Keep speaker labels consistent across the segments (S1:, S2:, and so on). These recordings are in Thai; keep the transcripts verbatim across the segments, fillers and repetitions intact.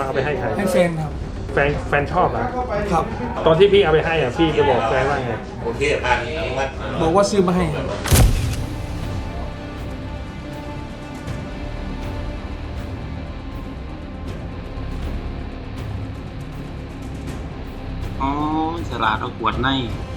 S1: เอาไปให้ใคร
S2: ให้แฟนครับ
S1: แฟนแฟนชอบอ่ะ
S2: ครับ
S1: ตอนที่พี่เอาไปให้อ่ะพี่จะบอกแฟนว่าไง
S3: โอเคผ่านอนุมัติ
S2: บอกว่าซื้อมาให้ครับ
S4: อ๋อฉลาดเอาขวดใน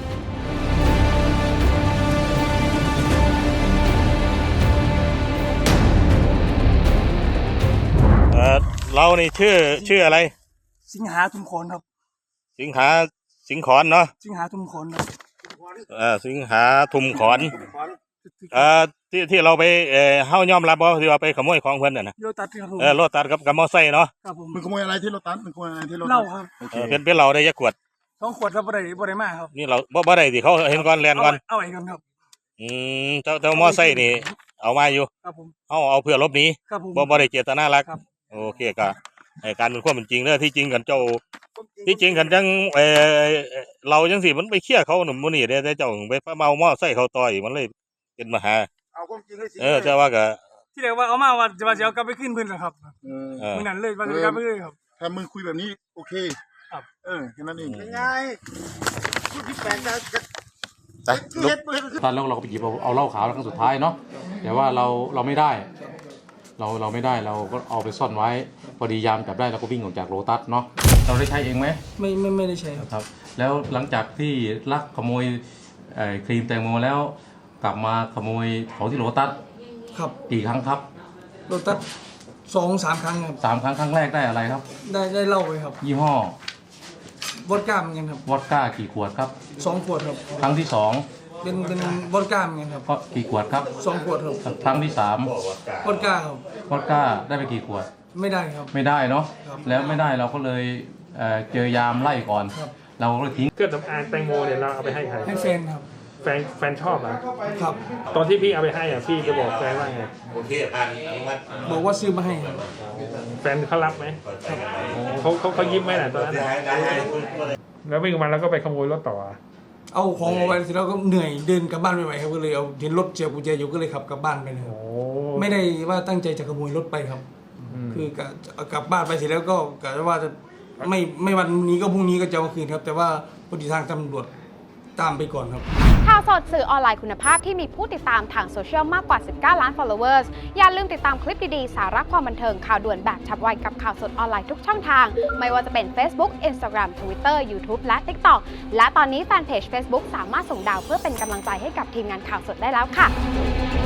S1: เออเรานี่ชื่อชื่ออะไร
S2: สิงหาทุมขอนครับ
S1: สิงหาสิงขอนเนาะ
S2: สิงหาทุมขอนครับ
S1: เออสิงหาทุมขอนเอ่อที่ที่เราไปเอ่อเฮายอมรับว่าที่ว่าไปขโมยของเพิ่นน่ะนะ
S2: โรตัสครับผม
S1: เออรถตัดกับกับมอไซค์เนาะ
S2: ครับผม
S5: มันขโมยอะไรที่รถตัสมันขโมยอะไรที่รถ
S2: เหล้าครับ
S1: เออเป็นเป็นเราได้ยักขวด
S2: สองขวดครับบ่ได้บ่ได้มากครับ
S1: นี่เราบ่บ่ได้สิเขาเห็นก่อนแลนก่อน
S2: เอาไว้กันครับ
S1: อืมเจ้าเจ้ามอไซค์นี่เอามาอยู่
S2: ครับผม
S1: เฮาเอาเพื่อลบหนี
S2: ครับผม
S1: บ่บ่ได้เจตนารักโอเคก็ไอ้การเป็นความเป็นจริงเด้อที่จริงกันเจ้าที่จริงกันจังเออเราจังสิมันไปเคลียร์เขาหนุ่มมื้อนี้เด้แต่เจ้าไปเมามอไซค์เขาต่อยมันเลยเป็นปัญหา
S5: เอาความจริงให้สิ
S1: เออเจ้าว่าก็
S2: ที่เรียกว่าเอามาว่าจะว่าจะเอากลับไปขึ้นเพิ่นนะครับ
S5: เออ
S2: มื้อนั้นเลยว่าจะกลับไปเลยครับ
S5: ถ้ามึงคุยแบบนี้โอเค
S2: ครับ
S5: เออแค่นั้นเอง
S3: เป็นไงพูดที่แปลกใจ
S1: ไปลุก
S6: ตอนแล้วเราก็ไปหยิบเอาเอาเหล้าขาวครั้งสุดท้ายเนาะแต่ว่าเราเราไม่ได้เราเราไม่ได้เราก็เอาไปซ่อนไว้พอดียามจับได้เราก็วิ่งออกจากโลตัสเนาะเราได้ใช้เองไหม
S2: ไม่ไม่ไม่ได้ใช้
S6: ครับแล้วหลังจากที่ลักขโมยครีมแตงโมแล้วกลับมาขโมยของที่โลตัส
S2: ครับ
S6: กี่ครั้งครับ
S2: โลตัสสองสามครั้งครับ
S6: สามครั้งครั้งแรกได้อะไรครับ
S2: ได้ได้เหล้าไปครับ
S6: ยี่ห้อ
S2: วอดก้าเหมือนกันครับ
S6: วอดก้ากี่ขวดครับ
S2: สองขวดครับ
S6: ครั้งที่สอง
S2: เป็นเป็นวอดก้าเหมือนกันครับ
S6: ก็กี่ขวดครับ
S2: สองขวดครับ
S6: ครั้งที่สาม
S2: วอดก้าครับ
S6: วอดก้าได้ไปกี่ขวด
S2: ไม่ได้ครับ
S6: ไม่ได้เนาะแล้วไม่ได้เราก็เลยเจอยามไล่ก่อนเราก็เลยทิ้ง
S1: เครื่องสำอางแตงโมเนี่ยเราเอาไปให้ใคร
S2: ให้แฟนครับ
S1: แฟนแฟนชอบอ่ะ
S2: ครับ
S1: ตอนที่พี่เอาไปให้อ่ะพี่จะบอกแฟนว่าไง
S3: โอเคผ่านอนุมัติ
S2: บอกว่าซื้อมาให้ครับ
S1: แฟนเขารับไหมเขาเขาเขายิ้มไหมน่ะตอนนั้นแล้ววิ่งมาแล้วก็ไปขโมยรถต่อ
S2: เอาของเอาไว้เสร็จแล้วก็เหนื่อยเดินกลับบ้านไม่ไหวครับก็เลยเอาเห็นรถเจียวกุญแจอยู่ก็เลยขับกลับบ้านไปเลยไม่ได้ว่าตั้งใจจะขโมยรถไปครับคือกะกลับบ้านไปเสร็จแล้วก็กะว่าจะไม่ไม่วันนี้ก็พรุ่งนี้ก็จะเอาคืนครับแต่ว่าพอดีทางตำรวจตามไปก่อนครับ
S7: ข่าวสดสื่อออนไลน์คุณภาพที่มีผู้ติดตามทางโซเชียลมากกว่าสิบเก้าล้าน followers อย่าลืมติดตามคลิปดีๆสาระความบันเทิงข่าวด่วนแบบฉับไวกับข่าวสดออนไลน์ทุกช่องทางไม่ว่าจะเป็น Facebook Instagram Twitter YouTube และ TikTok และตอนนี้แฟนเพจ Facebook สามารถส่งดาวเพื่อเป็นกำลังใจให้กับทีมงานข่าวสดได้แล้วค่ะ